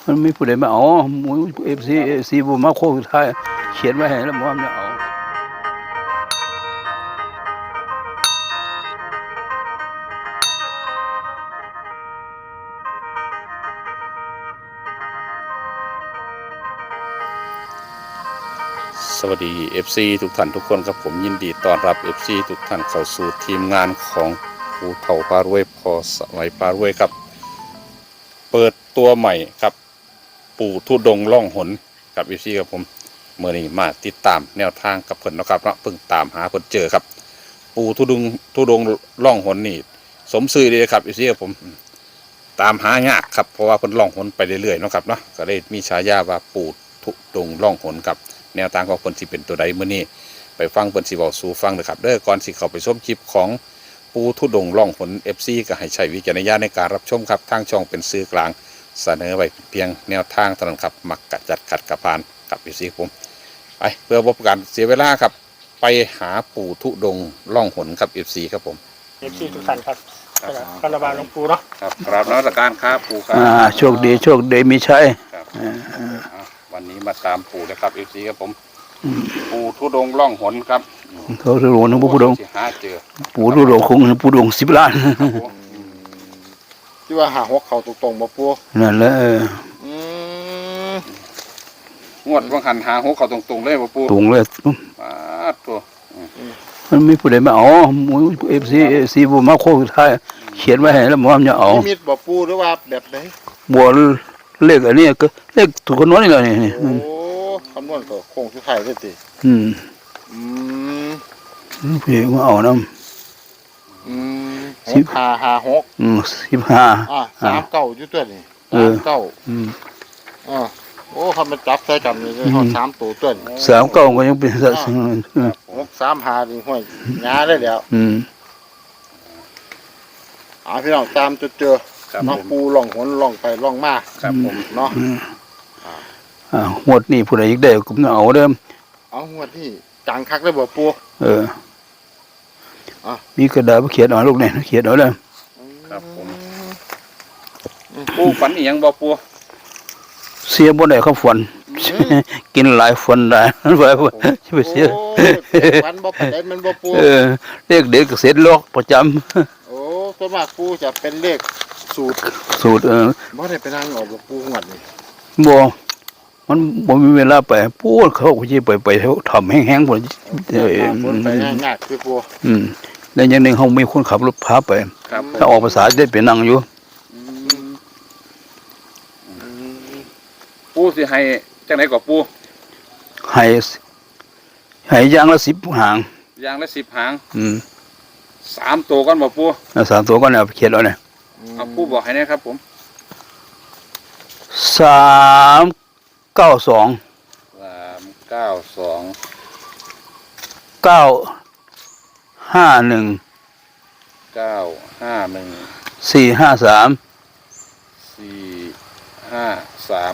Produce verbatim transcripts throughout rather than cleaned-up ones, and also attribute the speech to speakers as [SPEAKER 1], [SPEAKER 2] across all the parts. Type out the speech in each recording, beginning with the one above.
[SPEAKER 1] มันไม่ผู้ใดมาเอาเอฟซีเอฟซีบุมาโคสุดท้ายเขียนไว้ให้แล้วว่ามันจะเอา
[SPEAKER 2] สวัสดี เอฟ ซี ทุกท่านทุกคนครับผมยินดีต้อนรับ เอฟ ซี ทุกท่านเข้าสู่ทีมงานของภูเถาพารวยพอสวัยพารวยครับเปิดตัวใหม่ครับปู่ทุดงล่องหนกับ เอฟ ซี ครับผมเมื่อนี้มาติดตามแนวทางกับเพิ่นนะครับเนาะเพิ่งตามหาเพิ่นเจอครับปู่ทุดงทุดงล่องหนนี่สมซื่อเลยครับ เอฟ ซี ครับผมตามหายากครับเพราะว่าเพิ่นล่องหนไปเรื่อยๆเนาะครับเนาะก็เลยมีฉายาว่าปู่ทุดงล่องหนครับแนวทางของเพิ่นสิเป็นตัวใดมื้อนี้ไปฟังเพิ่นสิเว้าสู่ฟังนะครับเด้อก่อนสิเข้าไปชมคลิปของปู่ทุดงล่องหน เอฟ ซี ก็ให้ใช้วิจารณญาณในการรับชมครับทางช่องเป็นสื่อกลางเสนอไว้เพียงแนวทางเท่านั้นครับมักกัดจัดขัดกระพานกับ เอฟ ซี ผมไปเพื่อบ่เป็นการเสียเวลาครับไปหาปู่ทุดงล่องหนครับ เอฟ ซี ครับผม
[SPEAKER 3] เอฟซีทุกท่านครับคาราบาลหลวงปู่เนาะ
[SPEAKER 2] ครับกราบนมัสการครับปู่ครับ
[SPEAKER 1] อ่าโชคดีโชคดีมีชัย
[SPEAKER 2] ครับวันนี้มาตามปู่นะครับ เอฟ ซี ครับผมปู่ทุดงล่องหนครับ
[SPEAKER 1] เขาจะรู้นะผู้ดง
[SPEAKER 2] หาเจอ
[SPEAKER 1] ผู้ดงคงผู้ดงสิบล้าน
[SPEAKER 3] ที่ว่าหาหัวเข่าตรงๆบ่ปู่
[SPEAKER 1] นั่นแหละเออ
[SPEAKER 3] อืม
[SPEAKER 2] งวดวังหันหาหัวเขาตรงๆเลยบ่ปู่
[SPEAKER 1] ตรงเลย
[SPEAKER 2] มาตัว
[SPEAKER 1] มันไม่ผู้ใดมาเอาเอฟซีเอฟซีบุมาโคสุดท้ายเขียนไว้ให้แล้วว่ามันจะเอา
[SPEAKER 3] นิมิตบ่ปู่หรือว่าแบบไหน
[SPEAKER 1] บัวเลขอันนี้ก็เลขถูกคนน้อยนี่แหละนี่
[SPEAKER 3] โอ้คำนวณก็โค้งสุดท้ายเลยติ
[SPEAKER 1] อืม
[SPEAKER 3] อืม
[SPEAKER 1] ผู้ใดมาเอาน้
[SPEAKER 3] อืมหกห้าห้าหก
[SPEAKER 1] ำอืมสิบห้า
[SPEAKER 3] อ่ะสามเก้าอยู่ตัวนี่
[SPEAKER 1] เอ
[SPEAKER 3] สา
[SPEAKER 1] อ
[SPEAKER 3] มเก้า
[SPEAKER 1] อืม
[SPEAKER 3] อ่าโอ้คำมันจับใส่กันนี่เลยฮอดสามตัวตัวนี่
[SPEAKER 1] สามเก้าก็ยังเป็นสัตว์
[SPEAKER 3] หกสามห้านี่ห้อยงาได้แล้ว
[SPEAKER 1] อืม
[SPEAKER 3] อ่าพี่น้องตามจนเจอ
[SPEAKER 2] ครับ
[SPEAKER 3] น้อง
[SPEAKER 2] ผม
[SPEAKER 3] ปูล่องหนล่องไปล่องมา
[SPEAKER 2] ครับผม
[SPEAKER 3] เนาะ
[SPEAKER 1] อ่าหมดนี่ผู้ใดอีกได้ก็เอาเด้อ
[SPEAKER 3] เอาหัวที่จังคักได้บ่ปู
[SPEAKER 1] เออ
[SPEAKER 3] อ่ะ
[SPEAKER 1] มีกระดาษเขียนเอาลูกเนี่ยเขียนเอาเลย
[SPEAKER 2] ครับผมปู่ฝันอีหยังบ่ปู่
[SPEAKER 1] เสียบ่ได้เขาฝน กินหลายฝนได้ไปไปเสีย
[SPEAKER 3] โอ้วันบ่ปานใดมันบ่ปู
[SPEAKER 1] เออเลขเด็กเสร็จโลกประจำ
[SPEAKER 3] โอ้ส่วนมากปูจะเป็นเลขสูตร
[SPEAKER 1] สูตรเออ
[SPEAKER 3] บ่ได้ไปนั่งออกบ่ปูงวดนี่
[SPEAKER 1] บ่มันบ่มีเวลาไปพูดเขาก็สิไปไปทำแห้งๆพุ่นเออ
[SPEAKER 3] คนไปง่ายๆคือปู
[SPEAKER 1] อืมแล้วอย่างหนึงเฮามีคนขับรถพาไป
[SPEAKER 2] ครับ
[SPEAKER 1] ถ้าออกภาษาได้ไปนั่งอยู่
[SPEAKER 3] อืมอืม
[SPEAKER 2] ปู่สิให้จังได๋ก็ปู่
[SPEAKER 1] ให้ให้อย่างละสิบหาง
[SPEAKER 2] อย่างละสิบหาง
[SPEAKER 1] อืม
[SPEAKER 2] สามตัวก่อนบ่ปู่
[SPEAKER 1] แล้วสามตัวก็เนี่ยเขียนเอาเนี่ย
[SPEAKER 2] เอาปู่บอกให้นะครับผม
[SPEAKER 1] สามเก้าสอง
[SPEAKER 2] สามเก้าสอง
[SPEAKER 1] เก้าห้าหนึ่ง
[SPEAKER 2] เก้าห้าหนึ่ง
[SPEAKER 1] สี่ห้าสาม
[SPEAKER 2] สี่ห้าสาม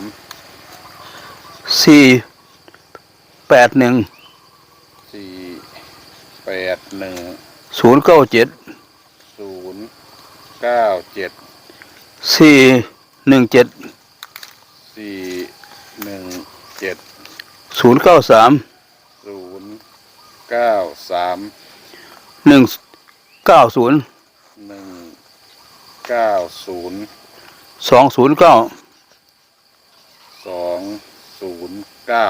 [SPEAKER 1] สี่แปดหนึ่ง
[SPEAKER 2] สี่แปดหนึ่ง
[SPEAKER 1] ศูนย์เก้าเจ็ด
[SPEAKER 2] ศูนย์เก้าเจ็ด
[SPEAKER 1] สี่หนึ่งเจ็ด
[SPEAKER 2] สี่หนึ่งเจ็ด
[SPEAKER 1] ศูนย์เก้าสาม
[SPEAKER 2] ศูนย์เก้าสาม
[SPEAKER 1] หนึ่งเก้าศูนย์
[SPEAKER 2] หนึ่งเก้าศูนย์
[SPEAKER 1] สองศูนย์เก้า
[SPEAKER 2] สองศูนย์เก้า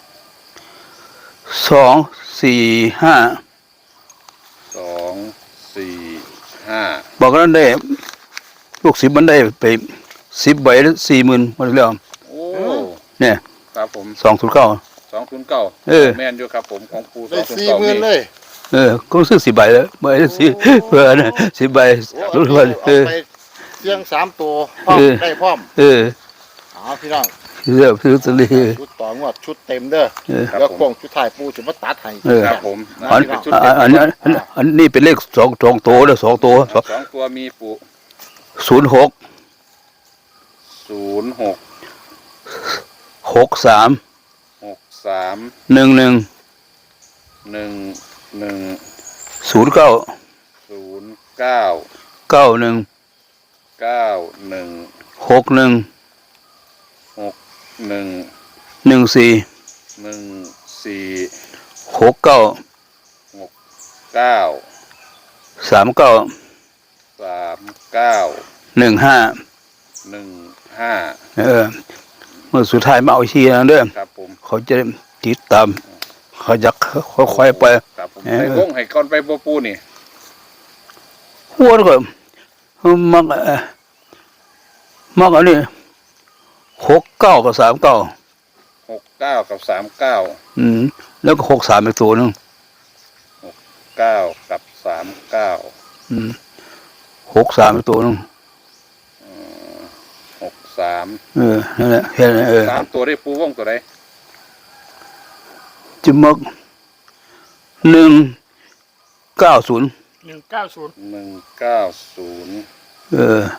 [SPEAKER 1] สองสี่ห้า
[SPEAKER 2] สองสี่ห้า
[SPEAKER 1] บอกกันได้ลูกสิบมันได้ไปสิบใบแล้วสี่หมื่นหมดแล้ว
[SPEAKER 2] โอ้
[SPEAKER 1] เนี่ย
[SPEAKER 2] ครับผม
[SPEAKER 1] สองศูนย์เก้า
[SPEAKER 2] สองศูนย์เก้า
[SPEAKER 1] เออ
[SPEAKER 2] แมนอยู่ครับผมของปูส
[SPEAKER 3] ได้
[SPEAKER 2] องศูนย์
[SPEAKER 3] สี่
[SPEAKER 2] เก้า
[SPEAKER 3] หมื่นเลย
[SPEAKER 1] เออก็ซื้อสิบใบแล้วใบละสิเพื่อนะสิบใบ
[SPEAKER 3] โอ้
[SPEAKER 1] รู้
[SPEAKER 3] เอา
[SPEAKER 1] ว่า
[SPEAKER 3] เอา
[SPEAKER 1] เออ
[SPEAKER 3] ไปเสียงสามตัวพร้อม
[SPEAKER 1] เออ
[SPEAKER 3] ได้พร้อม
[SPEAKER 1] เออ
[SPEAKER 3] อ๋อพี่น้อง
[SPEAKER 1] เลือกซื้อตัวนี้
[SPEAKER 3] ชุดต่องวดชุดเต็มเด้อ
[SPEAKER 1] เออ
[SPEAKER 3] แล้วโค้งชุดท้ายปูจะมาตัดให้
[SPEAKER 1] เออ
[SPEAKER 2] ครับผม
[SPEAKER 1] อัน
[SPEAKER 2] เป็นชุด
[SPEAKER 1] อั
[SPEAKER 2] เต็
[SPEAKER 1] น
[SPEAKER 2] ม
[SPEAKER 1] อันอันอันนี้เป็นเลขสองสองตัวแล้วสองตัว
[SPEAKER 2] สองตัวมีปู
[SPEAKER 1] ศูนย์หก
[SPEAKER 2] ศูนย์หก
[SPEAKER 1] หกสาม
[SPEAKER 2] หกสาม
[SPEAKER 1] หนึ่งหนึ่ง
[SPEAKER 2] หนึ่งหนึ่ง
[SPEAKER 1] ศูนย์เก้า
[SPEAKER 2] ศูนย์เก้า
[SPEAKER 1] เก้าหนึ่ง
[SPEAKER 2] เก้าหนึ่ง
[SPEAKER 1] หกหนึ่ง
[SPEAKER 2] หหนึ่ง
[SPEAKER 1] หนึ่งสี่
[SPEAKER 2] หนึ่งสี่
[SPEAKER 1] หกเก้า
[SPEAKER 2] หกเก้า
[SPEAKER 1] สามเก้า
[SPEAKER 2] สามเก้า
[SPEAKER 1] หนึ่งห้า
[SPEAKER 2] หนึ่งห้า
[SPEAKER 1] เออเมื่อสุดท้ายมาเอาชีนะเด้อ
[SPEAKER 2] ครับผม
[SPEAKER 1] เขาจะติดตามเขาจะค่อยๆไป
[SPEAKER 2] ครับผม
[SPEAKER 1] เออ
[SPEAKER 2] ให้วงให้ก่อนไปบ่ปูนี่
[SPEAKER 1] หัวก็มักเอ่อมักอันนี้หกเก้ากับสามเก้า
[SPEAKER 2] หกเก้ากับสามเก้า
[SPEAKER 1] อืมแล้วก็หกสามอีกตัวหนึง
[SPEAKER 2] เก้ากับสามเก้า
[SPEAKER 1] อืมหกสามอีกตัวหนึง
[SPEAKER 2] หกสาม
[SPEAKER 1] เออนั่นแหละแค่นั้นเออ
[SPEAKER 2] สามตัวได้ปูวงตัวใด
[SPEAKER 1] จะมักหนึ่งเก้าศูนย์
[SPEAKER 4] หนึ่งเก้าศูนย์
[SPEAKER 2] หนึ่งเก้าศูนย์
[SPEAKER 1] เออ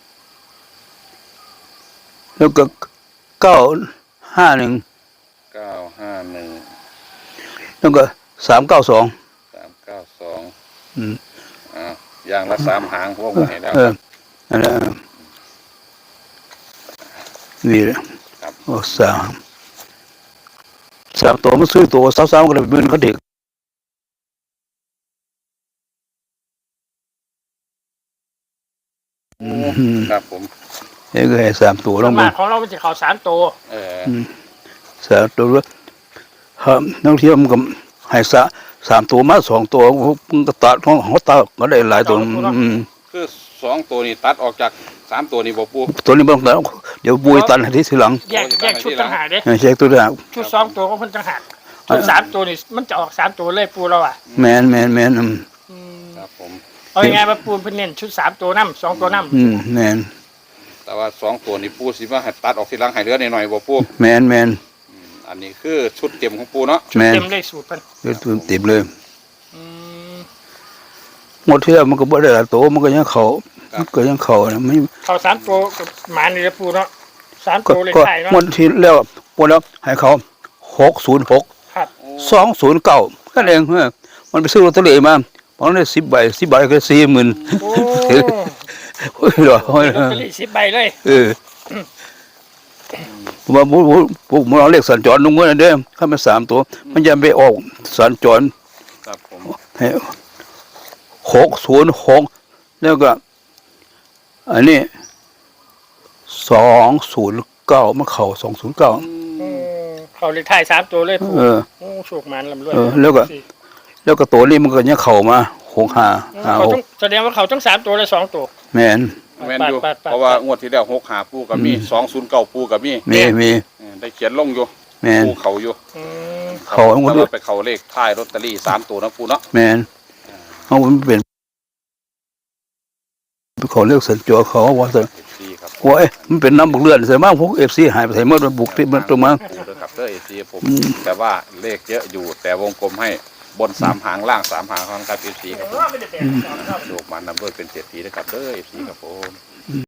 [SPEAKER 1] แล้วก็เก้าห้าหนึ่ง
[SPEAKER 2] เก้าห้าหนึ่ง
[SPEAKER 1] แล้วก็สามเก้าสอง
[SPEAKER 2] สามเก้าสอง
[SPEAKER 1] อืม
[SPEAKER 2] อ่าอย่างละสามหางวงให้แล้ว
[SPEAKER 1] เออนั่นแหละนี่แหละ
[SPEAKER 2] ครับ
[SPEAKER 1] โอ้สามสามตัวมันซื้อตัวสาวๆก็เลยเป็นเขาเด็กอืม
[SPEAKER 2] ครับผม
[SPEAKER 1] เอ้ก็ให้สามตัวล
[SPEAKER 4] ส่ว
[SPEAKER 1] ง
[SPEAKER 4] น
[SPEAKER 1] มาม
[SPEAKER 4] ากของเรามันจะเขาสามตัว
[SPEAKER 2] เออ
[SPEAKER 1] สามตัวแล้วครับนักเที่ยวมันก็ให้สะสามตัวมาสองตัวมันก็ตัดของเขาตัดก็ได้หลายตัวอืม
[SPEAKER 2] คือสองตัวนี้ตัดออกจากสามตัวนี้บ่ปู
[SPEAKER 1] ตัวนี้บางตัวเดี๋ยวบุยตันให้ที่ทีหลัง
[SPEAKER 4] แยกแยกชุดต่างหากเด้
[SPEAKER 1] ให้เช็คตัวอย่าง
[SPEAKER 4] ชุดสองตัวก็เพิ่นต่างหากชุดสามตัวนี่มันจะออกสามตัวเลยปูเราอ่ะ
[SPEAKER 1] แมนแมนแมนอืม
[SPEAKER 4] อืม
[SPEAKER 2] ครับผม
[SPEAKER 4] เอายังไงมาปูเพิ่นเน้นชุดสามตัวน้ำสองตัวน้
[SPEAKER 1] อืมแมน
[SPEAKER 2] แต่ว่าสองตัวนี้ปูสิว่าให้ตัดออกทีหลังให้เหลือหน่อยๆบ่ปู
[SPEAKER 1] แมนแมน
[SPEAKER 2] อันนี้คือชุดเต็มของปูเนาะ
[SPEAKER 4] ำชุด
[SPEAKER 1] แม่น
[SPEAKER 4] เต็มเลยสูตรเพิ่น
[SPEAKER 1] เดี๋ยวตัวติดเลย
[SPEAKER 4] อืม
[SPEAKER 1] หมดเที่ยวมันก็บ่ได้หลายตัวมันก็ยังเขามันก็ยังเขานะไม่
[SPEAKER 4] เขาสามตัวกับหมานี่แหละปูเนาะสาม
[SPEAKER 1] ก็
[SPEAKER 4] ตัวเลย
[SPEAKER 1] ก็
[SPEAKER 4] ไทยเนาะ
[SPEAKER 1] หมดที่แล้วหมดแล้วให้เขาหกศูนย์หก
[SPEAKER 4] ครับ
[SPEAKER 1] สองศูนย์เก้าแค่นั้นเองเออมันไปซื้อลอตเตอรี่มาเพราะได้สิบใบสิบใบก็สี่หมื่น
[SPEAKER 4] โอ้
[SPEAKER 1] โอ้ยหรอโอ้ย
[SPEAKER 4] ลอตเตอรี่สิบใบเลย
[SPEAKER 1] เออผมว่าผมผมผมเอาเลขสัญจรลงเมื่อนั้นเด้อถ้ามันสามตัว มันจะไปออกสัญจร
[SPEAKER 2] ครับผม
[SPEAKER 1] ให้หกศูนย์หกแล้วก็ อันนี้สองศูนย์เก้ามันเข่าสองศูนย์เก้า
[SPEAKER 4] อืมเขาเลยไทยสามตัวเลยปู
[SPEAKER 1] เออ
[SPEAKER 4] โอ้โชคมันลำรวย
[SPEAKER 1] เออแล้วก็ แล้วก็ตัวนี้มันก็ยังเข่ามาหกห้าห้า
[SPEAKER 4] เขา
[SPEAKER 1] ห
[SPEAKER 4] ต้
[SPEAKER 1] ก
[SPEAKER 4] องแสดงว่าเขาต้องสามตัวเลยสองตัว
[SPEAKER 1] แมน
[SPEAKER 2] แม่นอยู่
[SPEAKER 4] ปัดปัดปัด
[SPEAKER 2] เพราะว่างวดที่แล้วหกหาปูกับมีสองศูนย์เก้าปูกับมี
[SPEAKER 1] มีมี
[SPEAKER 2] เออได้เขียนลงอยู่
[SPEAKER 1] แมน
[SPEAKER 2] ปูเขาอยู่
[SPEAKER 4] อืม
[SPEAKER 1] เขาทั้งหมด
[SPEAKER 2] แต่ว่าไปเขาเลขท้ายลอตเตอรี่สามตัวนะปูเนาะ
[SPEAKER 1] แมนเขาเป็นเขาเรียกสัญจรเขาว่าสัญ
[SPEAKER 2] ดีครับ
[SPEAKER 1] ว่าเอ้ยมันเป็นน้ำบุกเลือนใส่มากพวกเอฟซีหายไปใส่เมื่อมันบุกที่มันตรงมา
[SPEAKER 2] ปูเด้อครับเด้อเอซีผมแต่ว่าเลขเยอะอยู่ แต่วงกลมให้บนสามหางล่างสามหางครับเอฟซีครับผม
[SPEAKER 4] ไม่ได้แปลกสองครับ
[SPEAKER 2] โลกมันนำด้วยเป็นเศรษฐีนะครับเด้อเอฟซีครับผม